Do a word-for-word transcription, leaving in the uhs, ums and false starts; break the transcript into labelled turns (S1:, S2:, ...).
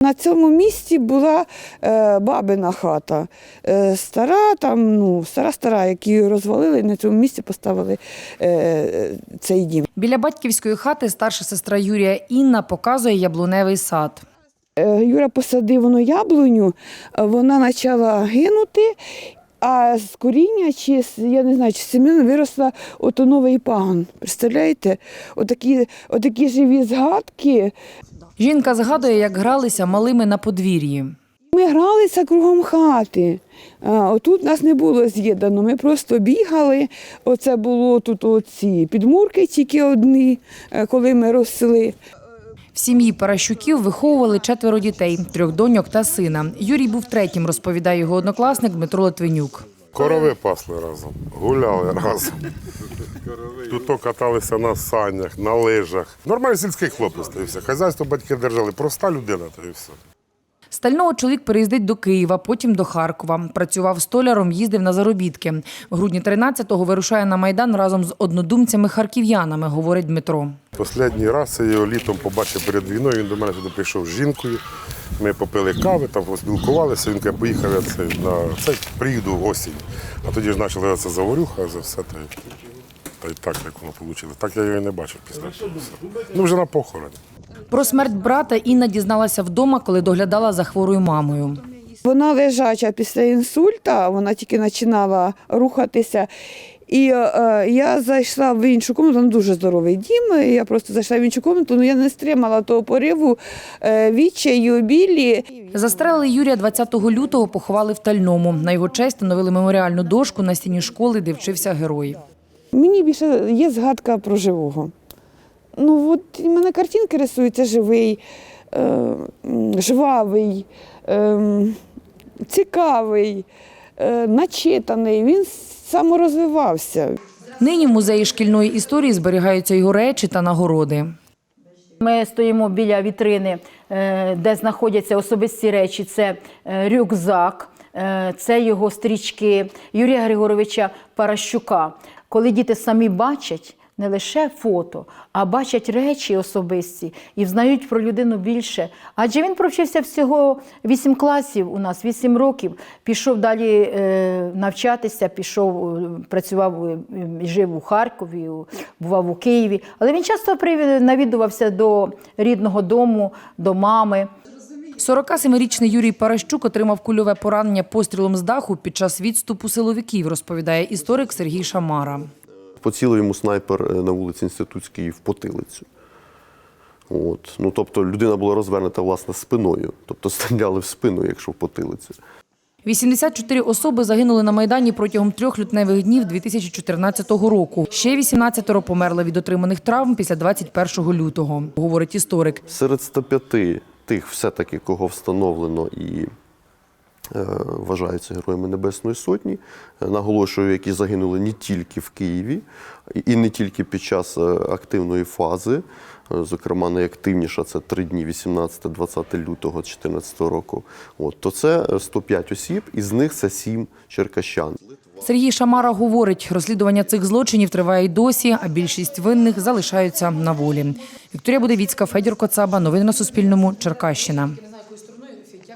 S1: на цьому місці була е, бабина хата. Е, стара, там, ну, стара-стара, які розвалили, на цьому місці поставили е, цей дім.
S2: Біля батьківської хати старша сестра Юрія Інна показує яблуневий сад.
S1: Е, Юра посадив воно яблуню, вона почала гинути, а з коріння, чи, я не знаю, чи з семін виросла ото новий пагон. Представляєте? Отакі, отакі живі згадки.
S2: Жінка згадує, як гралися малими на подвір'ї.
S1: Ми гралися кругом хати. А, отут нас не було з'єднано, ми просто бігали. Оце було тут оці підмурки тільки одні, коли ми росли.
S2: В сім'ї Паращуків виховували четверо дітей – трьох доньок та сина. Юрій був третім, розповідає його однокласник Дмитро Литвинюк.
S3: Корови пасли разом, гуляли разом. Тут то каталися на санях, на лижах. Нормальний сільський хлопець, та і все. Хазяйство батьки держали, проста людина, та і все.
S2: Стального чоловік переїздить до Києва, потім до Харкова. Працював столяром, їздив на заробітки. В грудні тринадцятого вирушає на Майдан разом з однодумцями-харків'янами, говорить Дмитро.
S3: Останній раз я його літом побачив перед війною, він до мене сюди прийшов з жінкою. Ми попили кави, там поспілкувалися, він каже, поїхав я це, на це, приїду осінь. А тоді ж почали це заварюха, за все, та й, та й так, як воно вийшло. Так я його і не бачив після того. Ну, вже на похороні.
S2: Про смерть брата Інна дізналася вдома, коли доглядала за хворою мамою.
S1: Вона лежача після інсульта, вона тільки починала рухатися. І е, я зайшла в іншу кімнату, там дуже здоровий дім, я просто зайшла в іншу кімнату, але я не стримала того пориву, е, відчаю, білі.
S2: Застрелили Юрія двадцятого лютого, поховали в Тальному. На його честь встановили меморіальну дошку на стіні школи, де вчився герой.
S1: Мені більше є згадка про живого. Ну, от у мене картинки рисуються живий, е, жвавий, е, цікавий, е, начитаний. Він саморозвивався.
S2: Нині в музеї шкільної історії зберігаються його речі та нагороди.
S4: Ми стоїмо біля вітрини, де знаходяться особисті речі. Це рюкзак, це його стрічки Юрія Григоровича Паращука. Коли діти самі бачать не лише фото, а бачать речі особисті і взнають про людину більше. Адже він провчився всього вісім класів у нас, вісім років. Пішов далі е, навчатися, пішов, працював і жив у Харкові, бував у Києві. Але він часто навідувався до рідного дому, до мами.
S2: сорокасемирічний Юрій Паращук отримав кульове поранення пострілом з даху під час відступу силовиків, розповідає історик Сергій Шамара.
S5: Поцілив йому снайпер на вулиці Інститутській в потилицю. От. Ну, тобто людина була розвернута, власне, спиною. Тобто стріляли в спину, якщо в потилицю.
S2: вісімдесят чотири особи загинули на Майдані протягом трьох лютневих днів дві тисячі чотирнадцятого року. Ще вісімнадцятеро померли від отриманих травм після двадцять першого лютого, говорить історик.
S5: Серед ста п'яти тих все-таки, кого встановлено і вважаються героями Небесної Сотні, наголошую, які загинули не тільки в Києві і не тільки під час активної фази, зокрема найактивніша це три дні вісімнадцяте-двадцяте лютого дві тисячі чотирнадцятого року, от, то це сто п'ять осіб, із них це сім черкащан.
S2: Сергій Шамара говорить, розслідування цих злочинів триває й досі, а більшість винних залишаються на волі. Вікторія Будевіцька, Федір Коцаба. Новини на Суспільному. Черкащина.